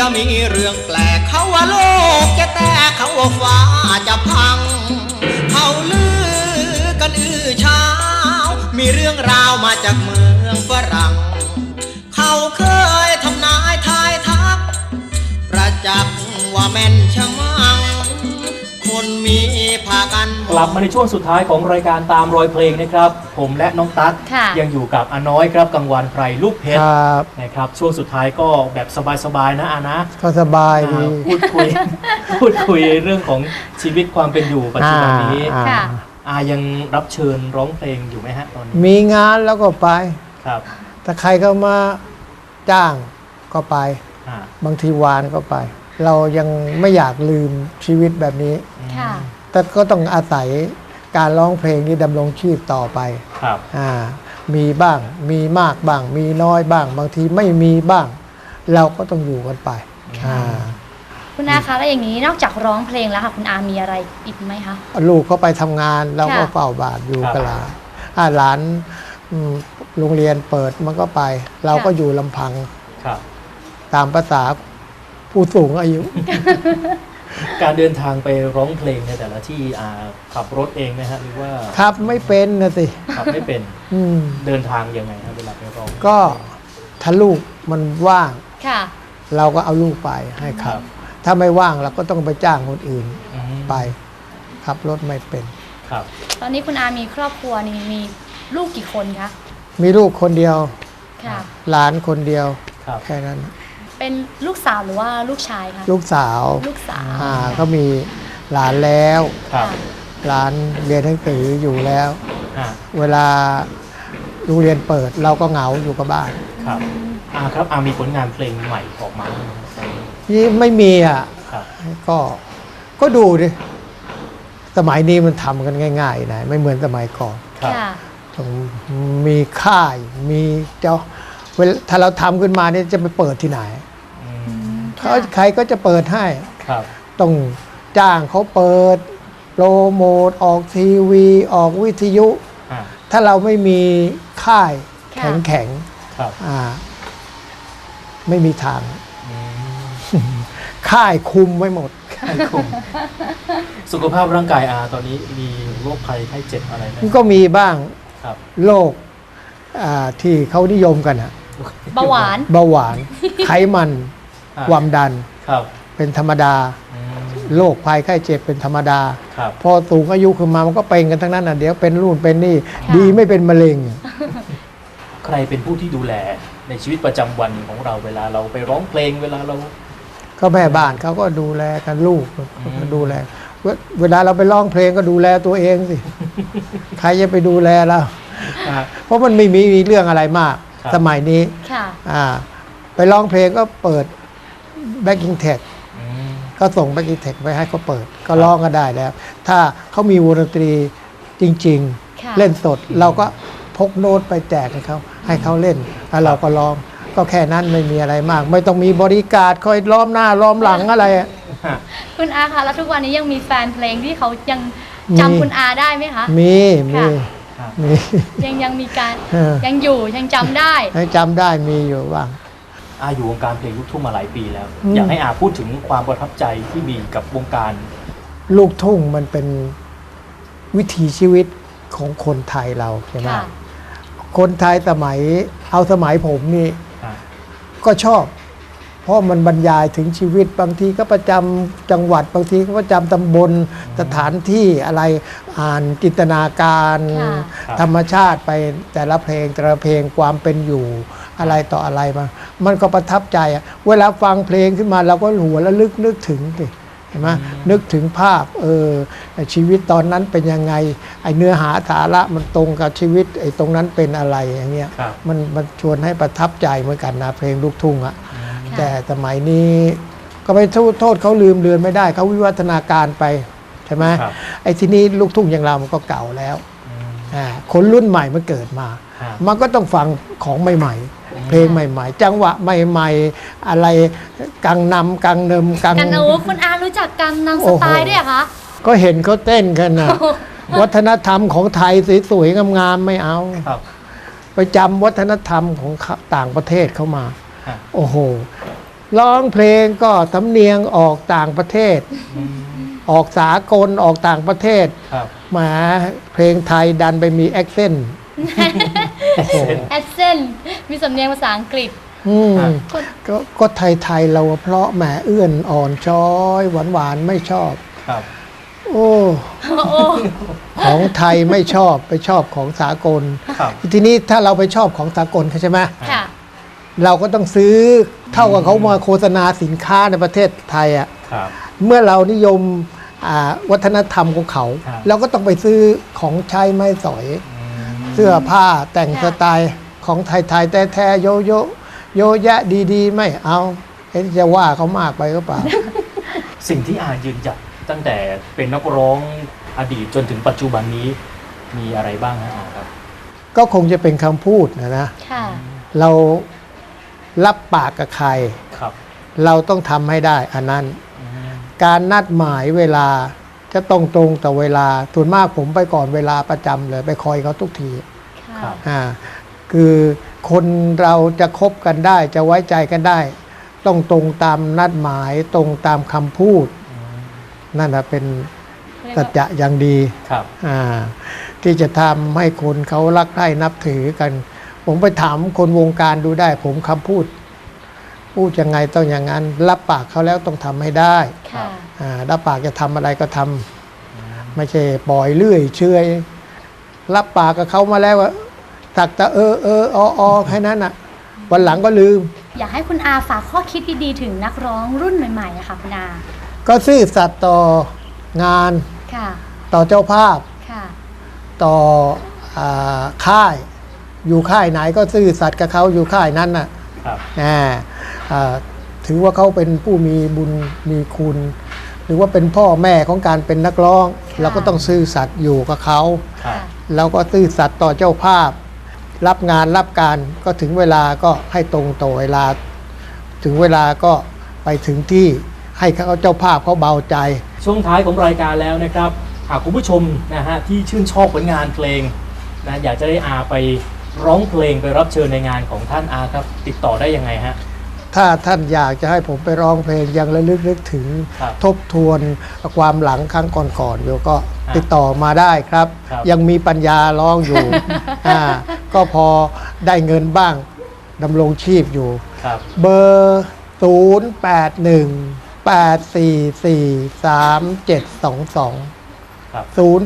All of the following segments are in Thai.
แล้วมีเรื่องแปลกเขาว่าโลกจะแตกเขาว่าฟ้าจะพังเขาลือกันเช้ามีเรื่องราวมาจากเมืองฝรั่งเขาเคยทำนายทายทักประจักษ์ว่าแม่นชะมังคนมีพากันกลับมาในช่วงสุดท้ายของรายการตามรอยเพลงนะครับผมและน้องตั๊กยังอยู่กับอาน้อยครับกังวานไพรลูกเพชรนะครับช่วงสุดท้ายก็แบบสบายๆนะอานะก็สบายดีพูดคุยเรื่องของชีวิตความเป็นอยู่ปัจจุบันนี้อายังรับเชิญร้องเพลงอยู่ไหมฮะตอนนี้มีงานแล้วก็ไปครับถ้าใครเข้ามาจ้างก็ไปบางทีวานก็ไปเรายังไม่อยากลืมชีวิตแบบนี้แต่ก็ต้องอาศัยการร้องเพลงนี้ดำรงชีพต่อไปครับมีบ้างมีมากบ้างมีน้อยบ้างบางทีไม่มีบ้าง เราก็ต้องอยู่กันไปคุณอาคะแล้วอย่างนี้นอกจากร้องเพลงแล้วค่ะคุณอามีอะไรอีกไหมคะลูกเขาไปทำงานเราก็เฝ้าบ้านอยู่กับหลานโรงเรียนเปิดมันก็ไปเราก็อยู่ลำพังตามภาษาผู้สูงอายุการเดินทางไปร้องเพลงในแต่ละที่ขับรถเองไหมฮะหรือว่าขับไม่เป็นนะสิขับไม่เป็นเดินทางยังไงครับเวลาไปร้องก็ถ้าลูกมันว่างเราก็เอาลูกไปให้ขับถ้าไม่ว่างเราก็ต้องไปจ้างคนอื่นไปขับรถไม่เป็นครับตอนนี้คุณอามีครอบครัวนี่มีลูกกี่คนคะมีลูกคนเดียวหลานคนเดียวแค่นั้นเป็นลูกสาวหรือว่าลูกชายคะลูกสาวก็มีหลานแล้วหลานเรียนหนังสืออยู่แล้วเวลาโรงเรียนเปิดเราก็เหงาอยู่กับบ้านครับครับมีผลงานเพลงใหม่ออกมานี่ไม่มีก็ดูดิสมัยนี้มันทำกันง่ายๆนะไม่เหมือนสมัยก่อนต้องมีค่ายมีเจ้าถ้าเราทำขึ้นมาเนี่ยจะไปเปิดที่ไหนใครก็จะเปิดให้ต้องจ้างเขาเปิดโปรโมทออกทีวีออกวิทยุถ้าเราไม่มีค่ายแข็งไม่มีทางค่ายคุมไว้หมดค่ายคุมสุขภาพร่างกายตอนนี้มีโรคภัยไข้เจ็บอะไรไหมก็มีบ้างโรคที่เขานิยมกันเบาหวานไขมันความดันเป็นธรรมดาโรคภัยไข้เจ็บเป็นธรรมดาพอสูงอายุขึ้นมามันก็เป็นกันทั้งนั้นเดี๋ยวเป็นนู่นเป็นนี่ดีไม่เป็นมะเร็งใครเป็นผู้ที่ดูแลในชีวิตประจำวันของเราเวลาเราไปร้องเพลงเวลาเราก็แม่บ้านเขาก็ดูแลกันลูกก็ดูแลเวลาเราไปร้องเพลงก็ดูแลตัวเองสิใครจะไปดูแลเราเพราะมันไม่มีเรื่องอะไรมากสมัยนี้ไปร้องเพลงก็เปิดแบ็กกิ้งเทคก็ส่งแบ็กกิ้งเทคไปให้เขาเปิดก็ร้องก็ได้แล้วถ้าเขามีวงดนตรีจริงๆเล่นสดเราก็พกโน้ตไปแจกให้เขาเล่นแล้วเราก็ร้องก็แค่นั้นไม่มีอะไรมากไม่ต้องมีบริการคอยล้อมหน้าล้อมหลังอะไรคุณอาคะแล้วทุกวันนี้ยังมีแฟนเพลงที่เขายังจำคุณอาได้ไหมคะมียังมีการยังอยู่ยังจำได้จำได้มีอยู่บ้างอยู่วงการเพลงลูกทุ่งมาหลายปีแล้วอยากให้พูดถึงความประทับใจที่มีกับวงการลูกทุ่งมันเป็นวิถีชีวิตของคนไทยเราใช่ไหมคนไทยสมัยผมนี่ก็ชอบเพราะมันบรรยายถึงชีวิตบางทีก็ประจำจังหวัดบางทีก็ประจำตำบลสถานที่อะไรอ่านจินตนาการธรรมชาติไปแต่ละเพลงความเป็นอยู่อะไรต่ออะไรมันก็ประทับใจเวลาฟังเพลงขึ้นมาเราก็หัวแล้วนึกถึงสิเห็นไหมนึกถึงภาพชีวิตตอนนั้นเป็นยังไงไอเนื้อหาสาระมันตรงกับชีวิตไอตรงนั้นเป็นอะไรอย่างเงี้ยมันชวนให้ประทับใจเหมือนกันนะเพลงลูกทุ่งแต่สมัยนี้ก็ไปโทษเขาลืมเลือนไม่ได้เขาวิวัฒนาการไปใช่ไหมไอ้ที่นี้ลูกทุ่งอย่างเรามันก็เก่าแล้วคนรุ่นใหม่มันเกิดมามันก็ต้องฟังของใหม่ๆเพลงใหม่ๆจังหวะใหม่ๆอะไรกังนำกังเนิมกังคุณอารู้จักกังนำสไตล์ด้วยคะก็เห็นเขาเต้นกันนะวัฒนธรรมของไทยสวยๆงามๆไม่เอาไปจำวัฒนธรรมของต่างประเทศเข้ามาโอ้โหร้องเพลงก็สำเนียงออกต่างประเทศ ออกสากลออกต่างประเทศครับแหมาเพลงไทยดันไปมีแอคเซนต์แอดเซนมีสำเนียงภาษาอังกฤษก็ไทยเราเพราะแหมเอื้อนอ่อนช้อยหวานๆไม่ชอบครับโอ้ ของไทยไม่ชอบไปชอบของสากลครับทีนี้ถ้าเราไปชอบของสากลเขาใช่ไหมค่ะเราก็ต้องซื้อเท่ากับเขามาโฆษณาสินค้าในประเทศไทยอ่ะครับเมื่อเรานิยมวัฒนธรรมของเขาครับเราก็ต้องไปซื้อของใช้ไม้สอย เสื้อผ้าแต่งสไตล์ของไทยๆแท้ๆโยโยโยแยะดีๆ ไม่เอาจะว่าเขามากไปก็เปล่าสิ่งที่อายืนหยัดตั้งแต่เป็นนักร้องอดีตจนถึงปัจจุบันนี้มีอะไรบ้างฮะอาครับก็คงจะเป็นคำพูดนะค่ะเรารับปากกับใครครับเราต้องทำให้ได้อันนั้น การนัดหมายเวลาจะต้องตรงต่อเวลาส่วนมากผมไปก่อนเวลาประจำเลยไปคอยเขาทุกทีครับคือคนเราจะคบกันได้จะไว้ใจกันได้ ต้องตรงตามนัดหมายตรงตามคำพูด นั่นนะเป็นสัจจะอย่างดีครับที่จะทำให้คนเขารักใคร่นับถือกัน ผมไปถามคนวงการดูได้ ผมคำพูดยังไงต้องอย่างนั้น รับปากเขาแล้วต้องทำให้ได้ค่ะรับปากจะทำอะไรก็ทำไม่ใช่ปล่อยเรื่อยเชยรับปากกับเขามาแล้วว่าสักแต่แค่นั้นอ่ะวันหลังก็ลืมอยากให้คุณอาฝากข้อคิดดีๆถึงนักร้องรุ่นใหม่ๆนะคะคุณอาก็ซื่อสัตย์ต่องานค่ะต่อเจ้าภาพค่ะต่อค่าย อยู่ค่ายไหนก็ซื่อสัตย์กับเขาอยู่ค่ายนั้นน่ะครับถือว่าเขาเป็นผู้มีบุญมีคุณ หรือว่าเป็นพ่อแม่ของการเป็นนักร้อง เราก็ต้องซื่อสัตย์อยู่กับเขาครับแล้วก็ซื่อสัตย์ต่อเจ้าภาพ รับงานรับการก็ถึงเวลาก็ให้ตรงต่อเวลา ถึงเวลาก็ไปถึงที่ให้เขาเจ้าภาพเขาเบาใจช่วงท้ายของรายการแล้วนะครับหากคุณผู้ชมนะฮะที่ชื่นชอบผลงานเพลงนะอยากจะได้อาไปร้องเพลงไปรับเชิญในงานของท่านอาครับติดต่อได้ยังไงฮะถ้าท่านอยากจะให้ผมไปร้องเพลงยังระลึกนึกถึงครับทบทวนความหลังครั้งก่อนๆอยู่ก็ติดต่อมาได้ครับครับยังมีปัญญาร้องอยู่ ก็พอได้เงินบ้างดำรงชีพอยู่ครับเบอร์ 081-844-3722 ครับ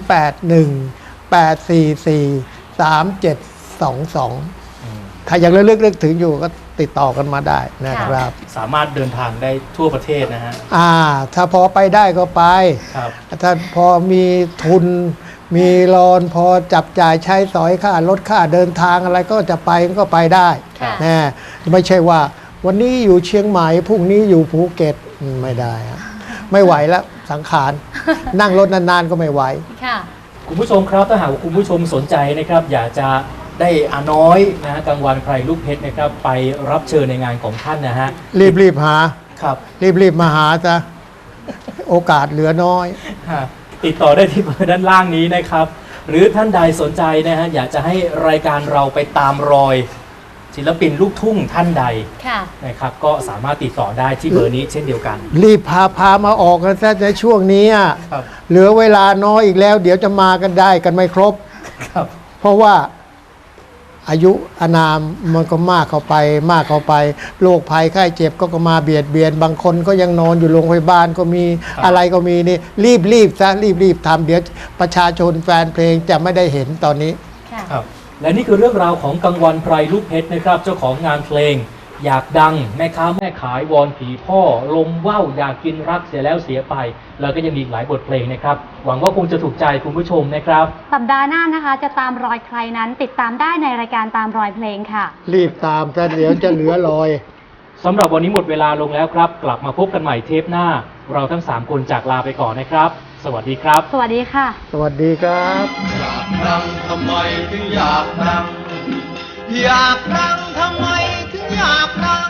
081-844-3722 ถ้ายังระลึกนึกถึงอยู่ก็ติดต่อกันมาได้นะครับสามารถเดินทางได้ทั่วประเทศนะฮะถ้าพอไปได้ก็ไปครับถ้าพอมีทุนมีรอนพอจับจ่ายใช้สอยค่ารถค่าเดินทางอะไรก็จะไปก็ไปได้ค่ะนะไม่ใช่ว่าวันนี้อยู่เชียงใหม่พรุ่งนี้อยู่ภูเก็ตไม่ได้อะไม่ไหวแล้วสังขาร นั่งรถนานๆก็ไม่ไหวค่ะคุณผู้ชมครับถ้าหากว่าคุณผู้ชมสนใจนะครับ อยากจะได้อาน้อยนะฮะกลางวันไพรลูกเพชรนะครับไปรับเชิญในงานของท่านนะฮะรีบหาครับรีบมาหาซะโอกาสเหลือน้อยติดต่อได้ที่เบอร์ด้านล่างนี้นะครับ หรือท่านใดสนใจนะฮะอยากจะให้รายการเราไปตามรอยศิลปินลูกทุ่งท่านใดค่ะนะครับ ก็สามารถติดต่อได้ที่เบอร์นี้เช่นเดียวกันรีบพามาออกกันซะในช่วงนี้อะครับเหลือเวลาน้อยอีกแล้ว เดี๋ยวจะมากันได้กันไม่ครบครับเพราะว่าอายุอานามมันก็มากเข้าไปโรคภัยไข้เจ็บก็มาเบียดเบียนบางคนก็ยังนอนอยู่โรงพยาบาลก็มีครับอะไรก็มีนี่รีบซะรีบทำเดี๋ยวประชาชนแฟนเพลงจะไม่ได้เห็นตอนนี้ค่ะครับและนี่คือเรื่องราวของกังวันไพรลูกเพชรนะครับ เจ้าของงานเพลง อยากดังแม่ค้าแม่ขายวอนผีพ่อ ลมว่าวอยากกินรักเสียแล้วเสียไป แล้วก็ยังมีอีกหลายบทเพลงนะครับ หวังว่าคงจะถูกใจคุณผู้ชมนะครับสัปดาห์หน้านะคะจะตามรอยใครนั้นติดตามได้ในรายการตามรอยเพลงค่ะรีบตามซะเดี๋ยวจะเหลือรอยสำหรับวันนี้หมดเวลาลงแล้วครับ กลับมาพบกันใหม่เทปหน้า เราทั้ง 3 คนจากลาไปก่อนนะครับ สวัสดีครับสวัสดีค่ะสวัสดีครับอยากดังทำไมถึงอยากดัง อยากดังทำไมถึงอยากดัง